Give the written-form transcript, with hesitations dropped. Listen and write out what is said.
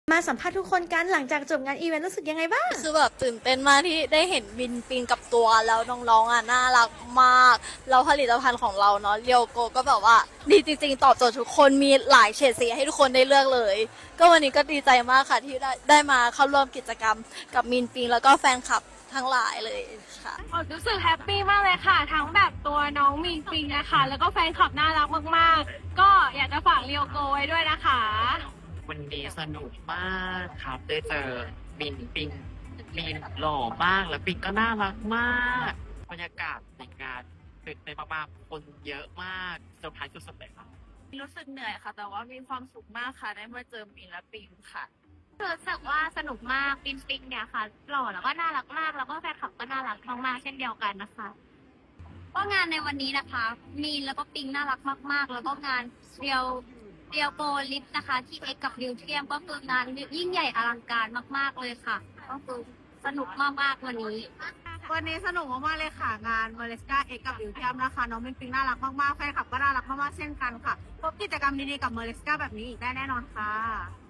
มาสัมภาษณ์ทุกคนกันหลังจากจบงานอีเวนต์รู้สึกยังไงบ้างคือแบบตื่นเต้นมากที่ได้เห็นบินปิงกับตัวแล้วน้องๆอ่ะน่ารักมากแล้วผลิตภัณฑ์ของเราเนาะเรียวโกก็แบบว่าดีจริงๆตอบโจทย์ทุกคนมีหลายเฉดสีให้ทุกคนได้เลือกเลยก็วันนี้ก็ดีใจมากค่ะที่ได้มาเข้าร่วมกิจกรรมกับมินปิงแล้วก็แฟนคลับทั้งหลายเลยค่ะรู้สึกแฮปปี้มากเลยค่ะทั้งแบบตัวน้องมินปิงนะคะแล้วก็แฟนคลับน่ารักมากๆก็อยากจะฝากเรียวโกไว้ด้วยนะคะวันนี้สนุกมากครับได้เจอบินปิงมีนหล่อมากแล้วปิงก็น่ารักมากบรรยากาศในงานตื่นเต้นมากๆคนเยอะมากเซอร์ไพรส์สุดๆเลยครับรู้สึกเหนื่อยค่ะแต่ว่ามีความสุขมากค่ะได้มาเจอมินและปิงค่ะรู้สึกว่าสนุกมากปิงปิงเนี่ยค่ะหล่อแล้วก็น่ารักมากแล้วก็แฟนคลับก็น่ารักมากๆเช่นเดียวกันนะคะก็งานในวันนี้นะคะมีนแล้วก็ปิงน่ารักมากๆแล้วก็งานเรียวโกลิฟนะคะที่เอ็กกับดิวเทียมก็คืองานยิ่งใหญ่อลังการมากๆเลยค่ะก็คือสนุกมากๆวันนี้สนุกมากๆเลยค่ะงานเมเลสกาเอ็กกับดิวเทียมนะคะน้องมินปิงน่ารักมากๆแฟนคลับก็น่ารักมากๆเช่นกันค่ะพบกิจกรรมดีๆกับเมเลสกาแบบนี้อีกได้แน่นอนค่ะ